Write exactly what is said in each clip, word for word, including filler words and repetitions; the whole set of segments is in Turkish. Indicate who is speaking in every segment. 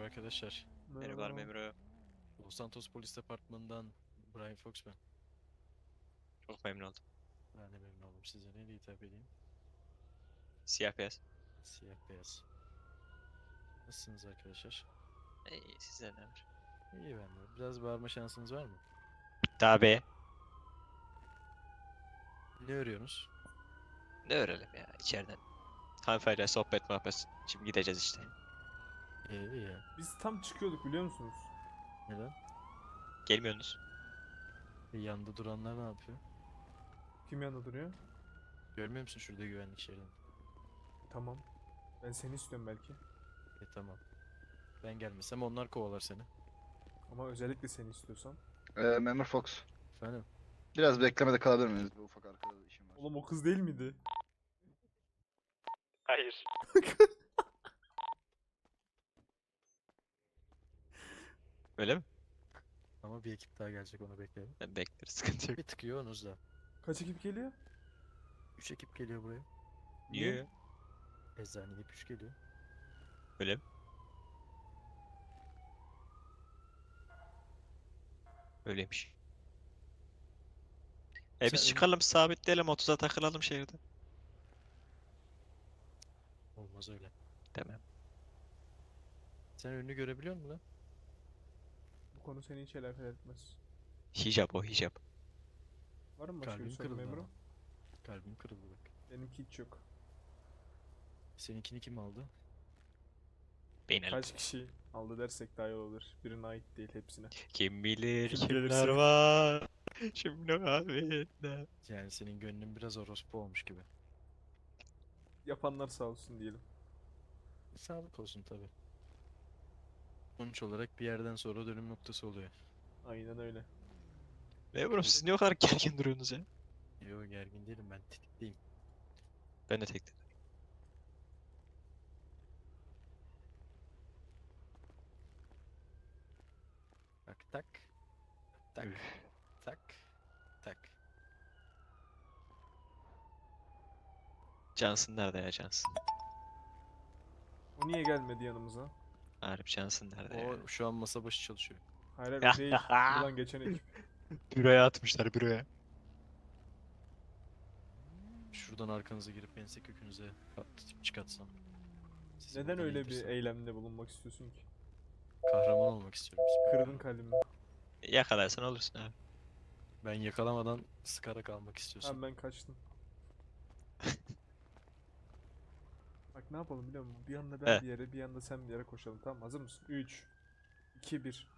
Speaker 1: arkadaşlar.
Speaker 2: Merhabalar memuru.
Speaker 1: Los Santos Polis Departmanı'ndan Brian Fox ben.
Speaker 2: Çok memnun oldum.
Speaker 1: Ben de memnun oldum. Size neyle hitap edeyim?
Speaker 2: Siyah beyaz.
Speaker 1: Siyah beyaz. Nasılsınız arkadaşlar?
Speaker 2: İyi size ne var?
Speaker 1: İyi ben de. Biraz bağırma şansınız var mı?
Speaker 2: Tabi.
Speaker 1: Ne örüyorsunuz?
Speaker 2: Ne öğrenelim ya içeriden. Hanımefendiyle sohbet muhabbet. Şimdi gideceğiz işte.
Speaker 1: İyi iyi ya.
Speaker 3: Biz tam çıkıyorduk biliyor musunuz?
Speaker 1: Neden?
Speaker 2: Gelmiyorsunuz.
Speaker 1: E, yanında duranlar ne yapıyor?
Speaker 3: Kim yanında duruyor?
Speaker 1: Görmüyor musun şurada güvenlik şeridini?
Speaker 3: Tamam. Ben seni istiyorum belki.
Speaker 1: E tamam. Ben gelmesem onlar kovalar seni.
Speaker 3: Ama özellikle seni istiyorsam.
Speaker 4: Ee, Memur Fox.
Speaker 1: Efendim?
Speaker 4: Biraz beklemede kalabilir miyiz? Bir ufak arkada işim var.
Speaker 3: Oğlum o kız değil miydi?
Speaker 2: Hayır. Öyle mi?
Speaker 1: Ama bir ekip daha gelecek, onu bekleyelim.
Speaker 2: Ben bekleriz, sıkıntı yok.
Speaker 1: Bir tık yoğunuz da.
Speaker 3: Kaç ekip geliyor?
Speaker 1: Üç ekip geliyor buraya.
Speaker 2: Niye?
Speaker 1: Eczaneye hep üç geliyor.
Speaker 2: Öyle mi? Öyleymiş. E biz
Speaker 1: Sen-
Speaker 2: çıkalım sabitleyelim otuza takılalım şehirde.
Speaker 1: Olmaz öyle.
Speaker 2: Demem.
Speaker 1: Sen önünü görebiliyor musun lan?
Speaker 3: Bu konu seni hiç alakadar etmez.
Speaker 2: Hicap o hicap.
Speaker 3: Var mı başka bir
Speaker 1: Kalbim
Speaker 3: sorun
Speaker 1: kırıldı
Speaker 3: memurum?
Speaker 1: ama. Kalbim kırıldı bak.
Speaker 3: Benimki hiç yok.
Speaker 1: Seninkini kim aldı?
Speaker 2: Beynel.
Speaker 3: Kaç kişi aldı dersek daha iyi olur. Birine ait değil hepsine.
Speaker 2: Kim bilir
Speaker 3: Kim
Speaker 2: kimler
Speaker 3: gelirse.
Speaker 2: var. Şimdi abi.
Speaker 1: Yani senin gönlün biraz orospu olmuş gibi.
Speaker 3: Yapanlar sağ olsun diyelim.
Speaker 1: Sağlık olsun tabi. Sonuç olarak bir yerden sonra dönüm noktası oluyor.
Speaker 3: Aynen öyle.
Speaker 2: Memurum siz niye o kadar gergin duruyorsunuz ya?
Speaker 1: Yo, gergin değilim, ben tetikteyim.
Speaker 2: Ben de tektim.
Speaker 1: Tak tak. Tak. Tak. Tak.
Speaker 2: Johnson nerede ya Johnson?
Speaker 3: O niye gelmedi yanımıza?
Speaker 2: Harbi Johnson nerede ya?
Speaker 1: O şu an masa başı çalışıyor.
Speaker 3: Hayır hayır o değil. Buradan geçen ekip.
Speaker 2: Büroya atmışlar büroya.
Speaker 1: Şuradan arkanıza girip ense kökünüze atlatıp çıkartsam. Sizi
Speaker 3: Neden
Speaker 1: buradan
Speaker 3: öyle bir
Speaker 1: indirsem.
Speaker 3: eylemde bulunmak istiyorsun ki?
Speaker 1: Kahraman olmak istiyorum.
Speaker 3: Kırdın kalbimi.
Speaker 2: Yakalarsan olursun abi.
Speaker 1: Ben yakalamadan sıkarak almak istiyorsun.
Speaker 3: Tamam ben kaçtım. Bak ne yapalım biliyor musun? Bir anda ben
Speaker 2: He.
Speaker 3: bir yere, bir anda sen bir yere koşalım. Tamam hazır mısın? üç, iki, bir.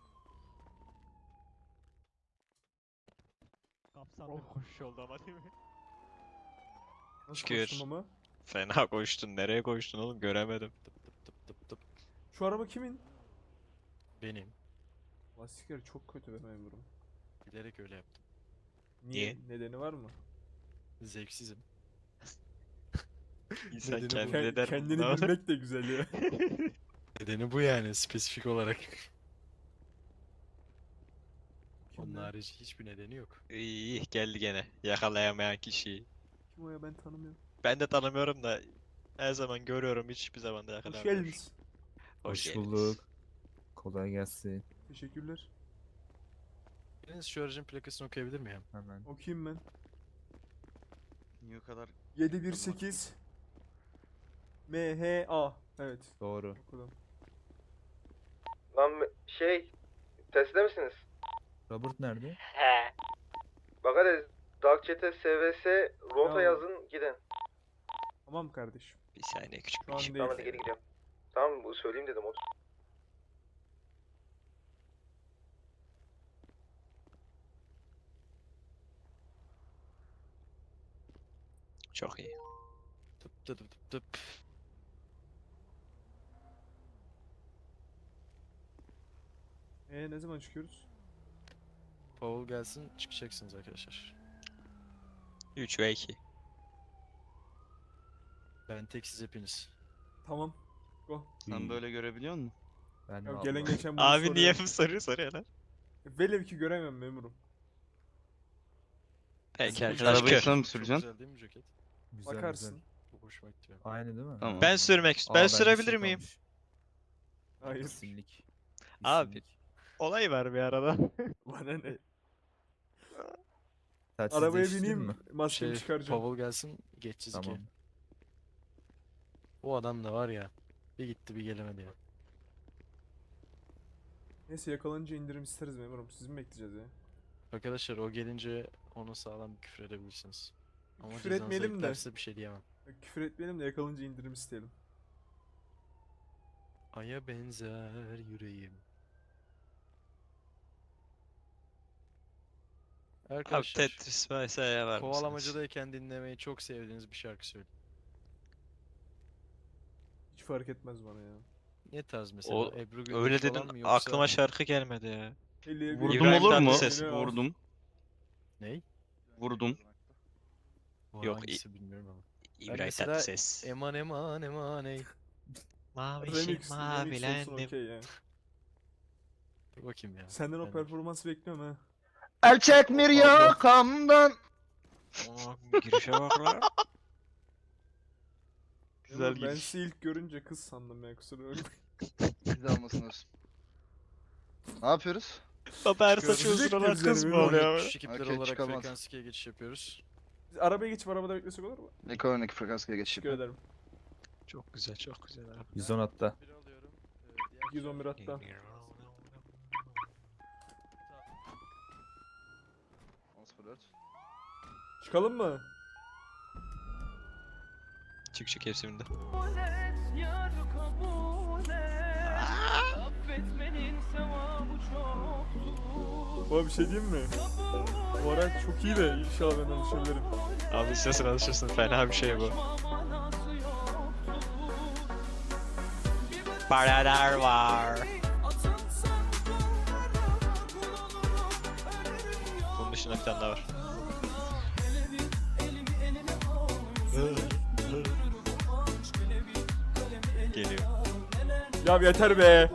Speaker 2: Kapsamlı
Speaker 3: Oh.
Speaker 2: koşuş oldu ama değil mi?
Speaker 3: Nasıl
Speaker 2: Şükür.
Speaker 3: koştum ama?
Speaker 2: Fena koştun. Nereye koştun oğlum göremedim.
Speaker 1: Tıp tıp tıp tıp tıp.
Speaker 3: Şu araba kimin?
Speaker 1: Benim.
Speaker 3: Lastikleri çok kötü be memurum.
Speaker 1: Bilerek öyle yaptım.
Speaker 3: Niye?
Speaker 2: Niye?
Speaker 3: Nedeni var mı?
Speaker 1: Zevksizim.
Speaker 2: İnsan
Speaker 1: Nedeni bu.
Speaker 2: kendi
Speaker 3: Ke-
Speaker 2: eder
Speaker 3: kendini
Speaker 2: bunu.
Speaker 3: bilmek de güzel ya.
Speaker 1: Nedeni bu yani, spesifik olarak. Onun
Speaker 3: Kim, lan?
Speaker 1: harici hiçbir nedeni yok.
Speaker 2: İyi geldi gene. Yakalayamayan kişiyi.
Speaker 3: Kim o ya ben tanımıyorum.
Speaker 2: Ben de tanımıyorum da her zaman görüyorum hiçbir zaman da
Speaker 3: Hoş
Speaker 2: yakalamıyorum.
Speaker 3: geldiniz.
Speaker 2: Hoş
Speaker 5: Hoş
Speaker 2: geldiniz.
Speaker 5: bulduk. Kolay gelsin.
Speaker 3: Teşekkürler.
Speaker 1: Biriniz şu aracın plakasını okuyabilir miyim?
Speaker 5: Hemen.
Speaker 3: Okuyayım ben.
Speaker 4: Niye o kadar?
Speaker 3: yedi bir sekiz M H A. Evet.
Speaker 5: Doğru.
Speaker 3: Okudum.
Speaker 6: Lan şey, Tesla misiniz?
Speaker 5: Robert nerede?
Speaker 6: Bak hadi Dark Chat'e S V S rota
Speaker 3: Ya.
Speaker 6: yazın gidin.
Speaker 3: Tamam kardeşim.
Speaker 2: Bir saniye küçük
Speaker 3: Şu
Speaker 2: bir
Speaker 3: an
Speaker 2: işim
Speaker 3: değil.
Speaker 6: Tamam hadi geri gidiyorum. Tamam bu söyleyeyim dedim otur.
Speaker 2: Çok iyi.
Speaker 1: Tıp tıp tıp tıp.
Speaker 3: Ee ne zaman çıkıyoruz?
Speaker 1: Paul gelsin, çıkacaksınız arkadaşlar.
Speaker 2: üç ve iki.
Speaker 1: Ben tek, siz hepiniz.
Speaker 3: Tamam. Go.
Speaker 4: Sen böyle görebiliyor musun?
Speaker 5: Ben
Speaker 3: Ya
Speaker 5: vallahi-
Speaker 3: gelen geçen bunu
Speaker 2: Abi niye
Speaker 3: soruyor.
Speaker 2: bu soruyu soruyor lan?
Speaker 3: Velev ki göremem memurum.
Speaker 2: Peki
Speaker 1: Sizin
Speaker 2: arkadaş
Speaker 4: arabayı
Speaker 2: kör.
Speaker 4: sen mi
Speaker 1: Çok
Speaker 4: süreceksin?
Speaker 1: Güzel değil mi ceket?
Speaker 5: Güzel,
Speaker 3: Bakarsın.
Speaker 5: güzel.
Speaker 1: Çok hoşuma gitti benim.
Speaker 5: Aynı değil mi?
Speaker 4: Tamam.
Speaker 2: Ben sürmek
Speaker 5: Aa,
Speaker 2: ben
Speaker 5: bende
Speaker 2: sürebilir
Speaker 5: şey
Speaker 2: miyim?
Speaker 5: kalmış.
Speaker 3: Hayır.
Speaker 5: İsimlik.
Speaker 2: Abi.
Speaker 5: İsimlik.
Speaker 2: Olay var bir arada.
Speaker 3: Bana ne?
Speaker 5: Telsiz
Speaker 3: Arabaya
Speaker 5: değiştirdin
Speaker 3: bineyim,
Speaker 1: Şey
Speaker 5: mi?
Speaker 3: maskemi çıkaracağım.
Speaker 1: Pavel gelsin geçeceğiz
Speaker 5: Tamam.
Speaker 1: ikiye. O adam da var ya. Bir gitti bir gelemedi ya.
Speaker 3: Neyse yakalanınca indirim isteriz memurum. Sizi mi bekleyeceğiz ya?
Speaker 1: Arkadaşlar o gelince onu sağlam bir küfür edebilirsiniz. Ama
Speaker 3: Küfür
Speaker 1: cezanız
Speaker 3: etmeyelim de.
Speaker 1: eklerse bir şey diyemem.
Speaker 3: Küfür etmeyelim de yakalanınca indirim isteyelim.
Speaker 1: Aya benzer yüreğim.
Speaker 2: Abi
Speaker 1: Arkadaşlar
Speaker 2: Tetris vesaire var mısınız?
Speaker 1: kovalamacadayken dinlemeyi çok sevdiğiniz bir şarkı söyleyin.
Speaker 3: Hiç fark etmez bana ya.
Speaker 1: Ne tarz mesela?
Speaker 2: O-
Speaker 1: Ebru Gündeş
Speaker 2: Öyle
Speaker 1: falan
Speaker 2: dedin
Speaker 1: mı yoksa
Speaker 2: aklıma şarkı gelmedi ya.
Speaker 3: Eli-
Speaker 4: Vurdum
Speaker 2: İbrahim
Speaker 4: olur mu?
Speaker 2: Tatlıses.
Speaker 4: Vurdum.
Speaker 1: ney?
Speaker 4: Vurdum.
Speaker 1: Bu
Speaker 2: Yok,
Speaker 1: hangisi bilmiyorum ama.
Speaker 2: İbrahim
Speaker 1: mesela
Speaker 2: Tatlıses.
Speaker 1: Eman eman eman ey.
Speaker 2: Mavişim
Speaker 3: Remix, remix olsun
Speaker 2: mavilendim.
Speaker 3: okey ya.
Speaker 1: Dur bakayım ya.
Speaker 3: Senden o
Speaker 1: Ben-
Speaker 3: performansı bekliyorum ha.
Speaker 4: El çekmir yakamdan.
Speaker 2: Aa, girişe bak lan.
Speaker 4: Güzel
Speaker 3: Memurum, ben
Speaker 4: giriş.
Speaker 3: sizi ilk görünce kız sandım ya kusura bakmayın.
Speaker 4: Güzel olmasın olsun. Ne yapıyoruz?
Speaker 2: Baba her
Speaker 1: Çıkıyoruz.
Speaker 2: saçı uzun olan
Speaker 3: Bekliyoruz
Speaker 2: kız
Speaker 3: yani,
Speaker 2: mı
Speaker 3: böyle.
Speaker 2: oluyor?
Speaker 1: Küçük ekipler
Speaker 4: Okey,
Speaker 1: olarak
Speaker 4: çıkamaz.
Speaker 1: frekans ikiye geçiş yapıyoruz.
Speaker 3: Biz arabaya geçip arabada beklesek olur mu?
Speaker 4: Ekonomik frekansıya geçiş
Speaker 3: Teşekkür
Speaker 4: yapıyorum.
Speaker 3: ederim.
Speaker 2: Çok güzel, çok güzel abi.
Speaker 5: yüz on hatta.
Speaker 1: biri alıyorum. Ee, diğer
Speaker 3: yüz on bir hatta.
Speaker 4: on sıfır dört.
Speaker 3: Çıkalım mı?
Speaker 2: Çık çık hepsinde.
Speaker 3: Baba bir şey diyeyim mi? Bu araç çok iyi de inşallah ben alışabilirim.
Speaker 2: Abi istersen alışırsın, fena bir şey bu. Paralar var. Bunun dışında bir tane daha var. Geliyor.
Speaker 3: Ya yeter be.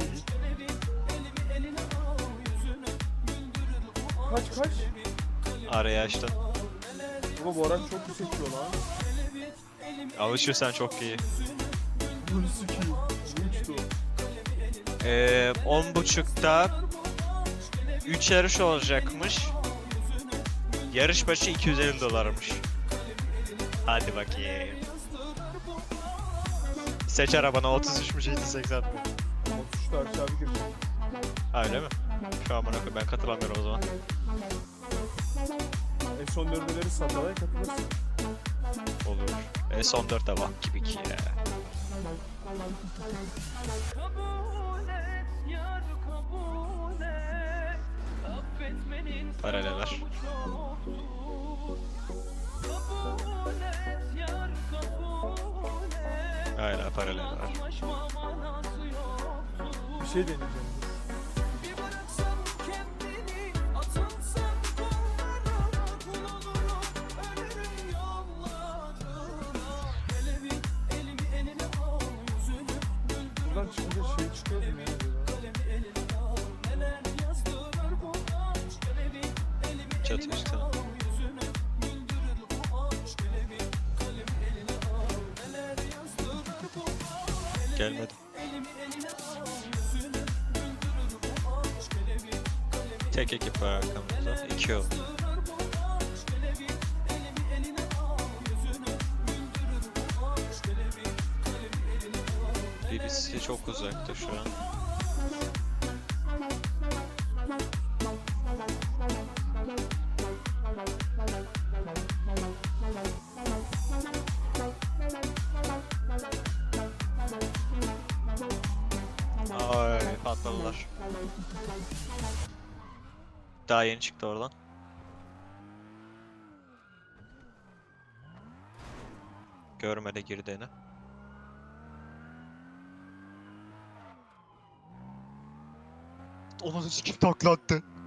Speaker 3: Kaç kaç?
Speaker 2: Araya açtın.
Speaker 3: Baba bu araç çok yüksek diyor lan.
Speaker 2: Alışırsan çok iyi.
Speaker 3: Bunu sikiyim. Bu uçtu.
Speaker 2: Ee, on buçukta üç yarış olacakmış. Yarış başı iki yüz elli dolarmış. Hadi bakayım. Seç arabana otuz üç mü yedi seksen mi?
Speaker 3: otuz üçte aşağı bir girecek.
Speaker 2: Ha, öyle mi? Şu an bana ben katılamıyorum o zaman.
Speaker 3: En son dördeleri sandalye katılırsın.
Speaker 2: Olur. E son dörtte bak gibi ki ya. Paraleler. Hala paraleler.
Speaker 3: Bir şey deneyeceğim. Buradan çıkınca şey çıkıyor mu ya acaba?
Speaker 2: Çatı üstü. Gelmedi. Tek ekip var arkamızda. İki oldu. Birisi çok uzakta şu an. Ay patladılar. Daha yeni çıktı oradan. Görmede girdiğini. Onun sikim taklattı.